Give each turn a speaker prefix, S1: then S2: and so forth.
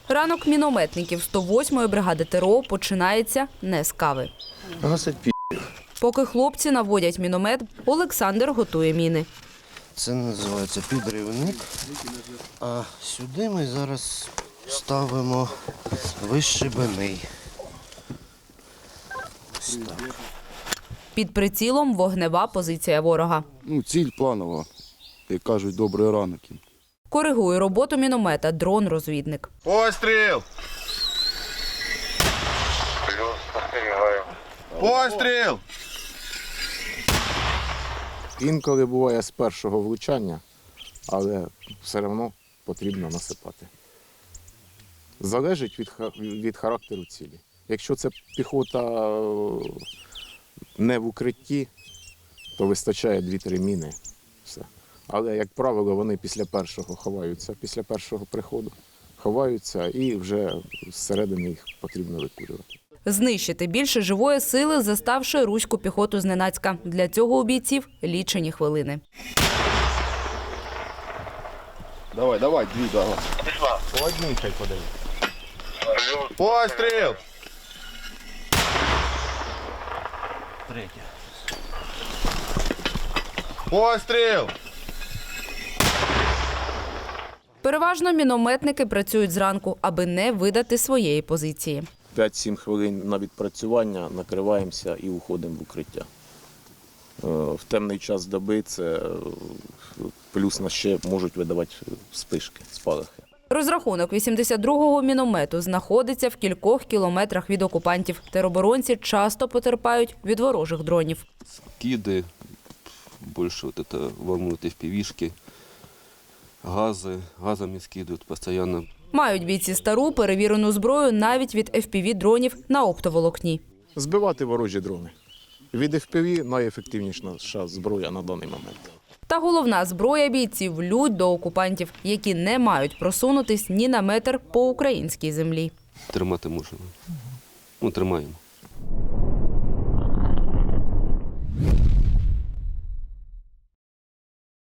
S1: Ранок мінометників 108-ї бригади ТРО починається не з кави.
S2: Гасить пі***.
S1: Поки хлопці наводять міномет, Олександр готує міни.
S2: Це називається підривник. А сюди ми зараз ставимо вищебений. Ось так.
S1: Під прицілом вогнева позиція ворога.
S3: Ціль планова, як кажуть, добрий ранок їм.
S1: Коригує роботу міномета дрон-розвідник.
S4: Постріл! Постріл!
S5: Інколи буває з першого влучання, але все одно потрібно насипати. Залежить від характеру цілі. Якщо це піхота не в укритті, то вистачає 2-3 міни. Все. Але, як правило, вони після першого ховаються, після першого приходу ховаються і вже зсередини їх потрібно викурювати.
S1: Знищити більше живої сили, заставши руську піхоту зненацька. Для цього у бійців лічені хвилини.
S3: Давай, дві, давай.
S4: По одній хай подаю. Постріл!
S2: Третя.
S4: Постріл!
S1: Переважно мінометники працюють зранку, аби не видати своєї позиції.
S5: 5-7 хвилин на відпрацювання, накриваємося і уходимо в укриття. В темний час доби це плюс нас ще можуть видавати спишки, спалахи.
S1: Розрахунок 82-го міномету знаходиться в кількох кілометрах від окупантів. Тероборонці часто потерпають від ворожих дронів.
S6: Киды, больше вот это волнует FPV-шки, газами скидывают постоянно.
S1: Мають бійці стару перевірену зброю навіть від FPV-дронів на оптоволокні.
S5: Збивати ворожі дрони. Від FPV найефективніша зброя на даний момент.
S1: Та головна зброя бійців – лють до окупантів, які не мають просунутись ні на метр по українській землі.
S6: Тримати можемо. Тримаємо.